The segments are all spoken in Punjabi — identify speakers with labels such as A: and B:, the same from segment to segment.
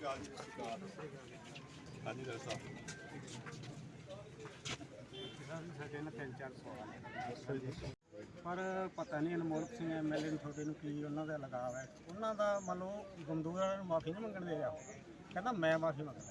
A: ਹਾਂਜੀ ਸਰ ਸਾਹਿਬ
B: ਸਾਡੇ ਨਾਲ 3-4 ਸਵਾਲ ਪਰ ਪਤਾ ਨਹੀਂ ਅਨਮੋਲਕ ਸਿੰਘ ਐਮਐਲਏ ਨੂੰ ਤੁਹਾਡੇ ਨੂੰ ਕੀ ਉਹਨਾਂ ਦਾ ਲਗਾਵ ਹੈ। ਉਹਨਾਂ ਦਾ ਮੰਨ ਲਓ ਗੰਦੂਰ ਵਾਲਿਆਂ ਨੂੰ ਮਾਫੀ ਨਹੀਂ ਮੰਗਣ ਦੇ ਰਿਹਾ, ਕਹਿੰਦਾ ਮੈਂ ਮਾਫੀ ਮੰਗਦਾ।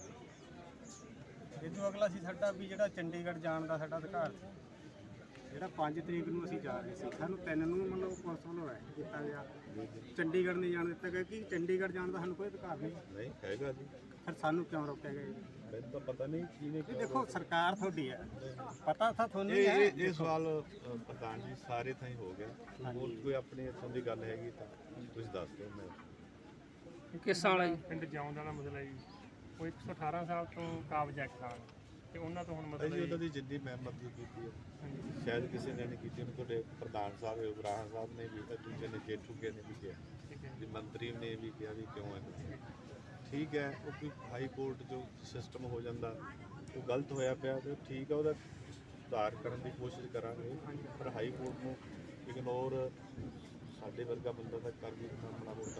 B: ਇਹ ਤੋਂ ਅਗਲਾ ਸੀ ਸਾਡਾ ਵੀ ਜਿਹੜਾ ਚੰਡੀਗੜ੍ਹ ਜਾਣ ਦਾ ਸਾਡਾ ਅਧਿਕਾਰ ਸੀ, ਜਿਹੜਾ 5 ਤਰੀਕ ਨੂੰ ਅਸੀਂ ਜਾ ਰਹੇ ਸੀ, ਸਾਨੂੰ 3 ਨੂੰ ਮਤਲਬ ਪੁਲਿਸ ਵੱਲੋਂ ਹੈ ਕੀਤਾ ਗਿਆ, ਚੰਡੀਗੜ੍ਹ ਨਹੀਂ ਜਾਣ ਦਿੱਤਾ ਗਿਆ ਕਿ ਚੰਡੀਗੜ੍ਹ ਜਾਣ ਦਾ ਸਾਨੂੰ ਕੋਈ ਅਧਿਕਾਰ ਨਹੀਂ
A: ਹੈਗਾ ਜੀ।
B: ਫਿਰ ਸਾਨੂੰ ਕਿਉਂ ਰੋਕਿਆ ਗਿਆ ਜੀ?
A: ਮੈਨੂੰ ਤਾਂ ਪਤਾ ਨਹੀਂ ਕਿਹਨੇ
B: ਦੇਖੋ ਸਰਕਾਰ ਤੁਹਾਡੀ ਹੈ, ਪਤਾ ਤਾਂ ਤੁਹਾਨੂੰ ਹੀ ਹੈ।
A: ਇਹ ਸਵਾਲ ਪ੍ਰਧਾਨ ਜੀ ਸਾਰੇ ਥਾਂ ਹੀ ਹੋ ਗਿਆ। ਹੋਰ ਕੋਈ ਆਪਣੇ ਇੱਥੋਂ ਦੀ ਗੱਲ ਹੈਗੀ ਤਾਂ ਤੁਸੀਂ ਦੱਸ ਦਿਓ। ਮੈਂ
C: ਕਿਸ ਸਾਲ ਹੈ ਜੀ?
D: ਪਿੰਡ ਜਿਉਂ ਦਾ ਮਸਲਾ ਜੀ, ਉਹ 118 ਸਾਲ ਤੋਂ ਕਾਬਜ਼ ਐਕਟ ਆ ਤੇ ਉਹਨਾਂ ਤੋਂ ਹੁਣ
A: ਜੀ
D: ਮਤਲਬ
A: ਉਹਨਾਂ ਦੀ ਜਿੰਨੀ ਮੈਂ ਮਦਦ ਕੀਤੀ ਹੈ ਸ਼ਾਇਦ ਕਿਸੇ ਨੇ ਨਹੀਂ ਕੀਤੀ। ਤੁਹਾਡੇ ਪ੍ਰਧਾਨ ਸਾਹਿਬ ਇਬਰਾਹਿਮ ਸਾਹਿਬ ਨੇ ਵੀ ਤਾਂ ਦੂਜੇ ਨੇ ਜੇਠੂਕੇ ਨੇ ਵੀ ਕਿਹਾ ਜੀ, ਮੰਤਰੀ ਨੇ ਵੀ ਕਿਹਾ ਵੀ ਕਿਉਂ ਹੈ। ਠੀਕ ਹੈ, ਉਹ ਕੋਈ ਹਾਈ ਕੋਰਟ ਜੋ ਸਿਸਟਮ ਹੋ ਜਾਂਦਾ ਉਹ ਗਲਤ ਹੋਇਆ ਪਿਆ ਤੇ ਠੀਕ ਹੈ, ਉਹਦਾ ਸੁਧਾਰ ਕਰਨ ਦੀ ਕੋਸ਼ਿਸ਼ ਕਰਾਂਗੇ। ਪਰ ਹਾਈ ਕੋਰਟ ਨੂੰ ਇਗਨੋਰ ਸਾਡੇ ਵਰਗਾ ਬੰਦਾ ਤਾਂ ਕਰ ਵੀ ਮਾੜਾ ਮੋਟਾ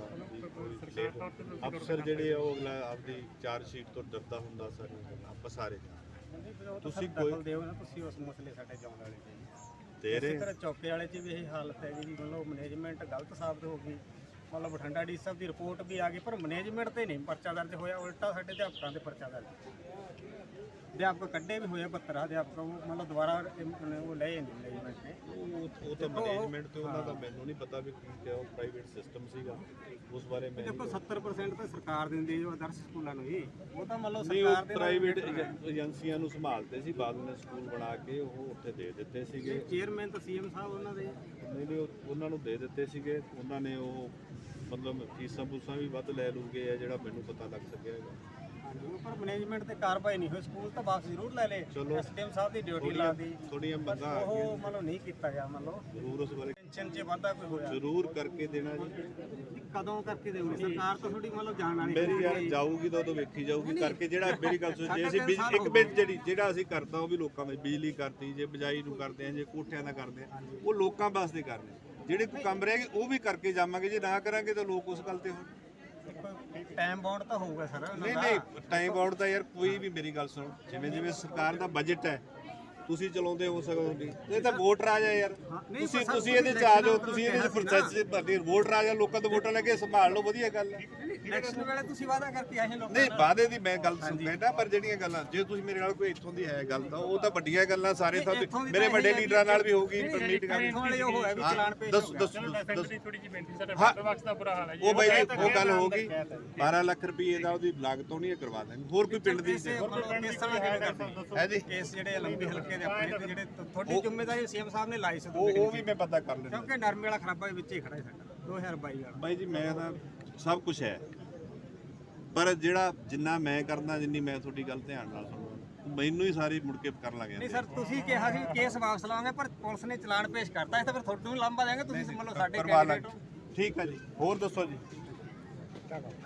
A: ਅਫਸਰ ਜਿਹੜੇ ਆ ਉਹ ਅਗਲਾ ਆਪਦੀ ਚਾਰਜ ਸ਼ੀਟ ਤੋਂ ਡਰਦਾ ਹੁੰਦਾ। ਸਾਰੇ ਆਪਾਂ ਸਾਰੇ
B: ਤੁਸੀਂ ਕੋਈ ਦਿਓ ਨਾ, ਤੁਸੀਂ ਉਸ ਮਸਲੇ ਸਾਡੇ ਚੌਂਕ ਵਾਲੇ ਦੇ ਰਹੇ। ਇਸੇ ਤਰ੍ਹਾਂ ਚੌਕੇ ਵਾਲੇ 'ਚ ਵੀ ਇਹ ਹਾਲਤ ਹੈ ਜੀ, ਮਤਲਬ ਮੈਨੇਜਮੈਂਟ ਗਲਤ ਸਾਬਤ ਹੋ ਗਈ। ਮਤਲਬ ਬਠਿੰਡਾ ਡੀ ਸਾਹਿਬ ਦੀ ਰਿਪੋਰਟ ਵੀ ਆ ਗਈ ਪਰ ਮੈਨੇਜਮੈਂਟ ਤੇ ਨਹੀਂ ਪਰਚਾ ਦਰਜ ਹੋਇਆ, ਉਲਟਾ ਸਾਡੇ ਅਧਿਆਪਕਾਂ ਦੇ ਪਰਚਾ ਦਰਜ। ਅਧਿਆਪਕ ਕੱਢੇ ਵੀ ਹੋਏ 72 ਅਧਿਆਪਕ, ਉਹ ਮਤਲਬ ਦੁਬਾਰਾ ਉਹ ਲਏ ਨਹੀਂ ਮੈਨੇਜਮੈਂਟ ਨੇ।
A: ਉਹ ਤਾਂ ਮੈਨੇਜਮੈਂਟ ਤੇ ਉਹਨਾਂ ਦਾ ਮੈਨੂੰ ਨਹੀਂ ਪਤਾ ਵੀ ਕੀ ਕਿਹਾ, ਉਹ ਪ੍ਰਾਈਵੇਟ ਸਿਸਟਮ ਸੀਗਾ ਉਸ ਬਾਰੇ ਮੈਂ
B: ਦੇਖੋ 70% ਤਾਂ ਸਰਕਾਰ ਦਿੰਦੀ ਹੈ ਆਦਰਸ਼ ਸਕੂਲਾਂ ਨੂੰ ਹੀ, ਉਹ ਤਾਂ ਮਤਲਬ
A: ਨਹੀਂ,
B: ਸਰਕਾਰ
A: ਉਹ
B: ਦੇ
A: ਪ੍ਰਾਈਵੇਟ ਏਜੰਸੀਆਂ ਨੂੰ ਸੰਭਾਲਦੇ ਸੀ। ਬਾਅਦ ਵਿੱਚ ਸਕੂਲ ਬਣਾ ਕੇ ਉਹ ਉੱਥੇ ਦੇ ਦਿੱਤੇ ਸੀਗੇ।
B: ਚੇਅਰਮੈਨ ਤਾਂ ਸੀਐਮ ਸਾਹਿਬ ਉਹਨਾਂ ਦੇ।
A: ਨਹੀਂ ਉਹਨਾਂ ਨੂੰ ਦੇ ਦਿੱਤੇ ਸੀਗੇ। ਉਹਨਾਂ ਨੇ ਉਹ ਮਤਲਬ ਫੀਸਾਂ ਫੂਸਾਂ ਵੀ ਵੱਧ ਲੈ ਲੂਗੇ ਆ ਜਿਹੜਾ ਮੈਨੂੰ ਪਤਾ ਲੱਗ ਸਕਿਆ ਹੈਗਾ।
B: ਪਰ ਮੈਨੇਜਮੈਂਟ ਤੇ ਕਾਰਵਾਈ ਨਹੀਂ ਹੋਈ, ਸਕੂਲ ਤਾਂ ਵਾਪਸ ਜ਼ਰੂਰ ਲੈ ਲੇ। ਐਸਡੀਐਮ ਸਾਹਿਬ ਦੀ ਡਿਊਟੀ ਲਾ ਦੀ,
A: ਥੋੜੀਆਂ ਮੰਗਾਂ ਆ
B: ਉਹ ਮਤਲਬ ਨਹੀਂ ਕੀਤਾ ਗਿਆ। ਮਤਲਬ
A: ਜ਼ਰੂਰ ਉਸ ਬਾਰੇ
B: ਟੈਨਸ਼ਨ 'ਚ ਵਾਧਾ ਕੋਈ ਹੋਇਆ
A: ਜ਼ਰੂਰ ਕਰਕੇ ਦੇਣਾ ਜੀ।
B: ਕਦੋਂ ਕਰਕੇ ਦੇਊਗੀ ਸਰਕਾਰ ਤਾਂ ਥੋੜੀ ਮਤਲਬ ਜਾਣ ਵਾਲੀ
A: ਮੇਰੀ ਯਾਰ ਜਾਊਗੀ ਤਾਂ ਉਦੋਂ ਵੇਖੀ ਜਾਊਗੀ ਕਰਕੇ। ਜਿਹੜਾ ਮੇਰੀ ਗੱਲ ਸੁਣ, ਜੇ ਅਸੀਂ ਇੱਕ ਮਿੰਟ ਜਿਹੜਾ ਅਸੀਂ ਕਰਤਾ ਉਹ ਵੀ ਲੋਕਾਂ ਵਿੱਚ ਬਿਜਲੀ ਕਰਤੀ, ਜੇ ਬਿਜਾਈ ਨੂੰ ਕਰਦੇ ਆ, ਜੇ ਕੋਠਿਆਂ ਦਾ ਕਰਦੇ ਆ, ਉਹ ਲੋਕਾਂ ਵਾਸਤੇ ਕਰਦੇ। ਜਿਹੜੇ ਕੋਈ ਕੰਮ ਰਹਿ ਗਏ ਉਹ ਵੀ ਕਰਕੇ ਜਾਵਾਂਗੇ। ਜੇ ਨਾ ਕਰਾਂਗੇ ਤਾਂ ਲੋਕ ਉਸ ਗੱਲ ਤੇ ਹੋਣ।
B: ਟਾਈਮ ਬਾਉਂਡ ਤਾਂ ਹੋਊਗਾ ਸਰ।
A: ਨਹੀਂ ਟਾਈਮ ਬਾਉਂਡ ਤਾਂ ਯਾਰ ਕੋਈ ਵੀ ਮੇਰੀ ਗੱਲ ਸੁਣੋ, ਜਿਵੇਂ ਸਰਕਾਰ ਦਾ ਬਜਟ ਹੈ ਤੁਸੀਂ ਚਲਾਉਂਦੇ ਹੋ ਸਕੋ ਨਹੀਂ, ਇਹ ਤਾਂ ਵੋਟ ਰਾਜ ਹੈ ਯਾਰ। ਤੁਸੀਂ ਇਹਦੇ ਚ ਆ ਜਾਓ, ਤੁਸੀਂ ਇਹਦੇ ਚ ਪ੍ਰੋਸੈਸ ਚ ਭਰਦੇ ਵੋਟ ਰਾਜ ਹੈ। ਲੋਕਾਂ ਤੋਂ ਵੋਟਾਂ ਲੈ ਕੇ ਸੰਭਾਲ ਲਓ, ਵਧੀਆ ਗੱਲ ਹੈ।
B: ਇਲੈਕਸ਼ਨ ਵੇਲੇ ਤੁਸੀਂ ਵਾਅਦਾ ਕਰਕੇ ਆਏ ਲੋਕਾਂ
A: ਨਹੀਂ ਵਾਅਦੇ ਦੀ ਮੈਂ ਗੱਲ ਸੁਣਦਾ, ਪਰ ਜਿਹੜੀਆਂ ਗੱਲਾਂ ਜੇ ਤੁਸੀਂ ਮੇਰੇ ਨਾਲ ਕੋਈ ਇੱਥੋਂ ਦੀ ਹੈ ਗੱਲ ਤਾਂ ਉਹ ਤਾਂ ਵੱਡੀਆਂ ਗੱਲਾਂ ਸਾਰੇ ਥਾਂ ਮੇਰੇ ਵੱਡੇ ਲੀਡਰਾਂ ਨਾਲ ਵੀ ਹੋਊਗੀ ਮੀਟ ਕਰਨੀ। ਦੱਸੋ
D: ਥੋੜੀ ਜਿਹੀ ਬੇਨਤੀ, ਸਾਡੇ ਵਾਟਰ ਵਰਕਸ ਦਾ ਬੁਰਾ ਹਾਲ ਹੈ ਜੀ।
A: ਉਹ ਬਾਈ ਉਹ ਗੱਲ ਹੋ ਗਈ 12 ਲੱਖ ਰੁਪਏ ਦਾ ਉਹਦੀ ਲਾਗਤ ਹੋਣੀ ਹੈ, ਕਰਵਾ ਦੇਣਗੇ। ਹੋਰ ਕੋਈ ਪਿੰਡ ਦੀ
B: ਹੈ ਜੀ ਕੇਸ ਜਿਹੜੇ ਲੰਬੀ ਹਲਕੇ ਦੇ ਆਪਣੇ ਤੇ ਜਿਹੜੇ ਤੁਹਾਡੀ ਜ਼ਿੰਮੇਵਾਰੀ ਸੀਐਮ ਸਾਹਿਬ ਨੇ ਲਾਈ ਸੀ,
A: ਉਹ ਵੀ ਮੈਂ ਪਤਾ ਕਰ ਲੈਣਾ
B: ਕਿਉਂਕਿ ਨਰਮੇ ਵਾਲਾ ਖਰਾਬਾ ਵਿੱਚ ਹੀ ਖੜਾ ਹੈ ਸਾਡਾ 2022 ਵਾਲਾ।
A: ਬਾਈ ਜੀ ਮੈਂ ਤਾਂ ਸਭ ਕੁਝ ਹੈ, ਪਰ ਜਿਹੜਾ ਜਿੰਨਾ ਮੈਂ ਕਰਦਾ, ਜਿੰਨੀ ਮੈਂ ਤੁਹਾਡੀ ਗੱਲ ਧਿਆਨ ਨਾਲ ਸੁਣਦਾ, ਮੈਨੂੰ ਹੀ ਸਾਰੀ ਮੁੜ ਕੇ ਕਰਨ ਲੱਗ ਜਾਂਦੇ।
B: ਨਹੀਂ ਸਰ, ਤੁਸੀਂ ਕਿਹਾ ਸੀ ਕੇਸ ਵਾਪਸ ਲਾਵਾਂਗੇ, ਪਰ ਪੁਲਿਸ ਨੇ ਚਲਾਨ ਪੇਸ਼ ਕਰਤਾ, ਇਸ ਤਾਂ ਫਿਰ ਤੁਹਾਨੂੰ ਲਾਂਭਾ ਦੇਣਗੇ। ਤੁਸੀਂ ਮੰਨ ਲਓ ਸਾਡੇ ਕੈਂਡੀਡੇਟ ਹੋ।
A: ਠੀਕ ਹੈ ਜੀ, ਹੋਰ ਦੱਸੋ ਜੀ।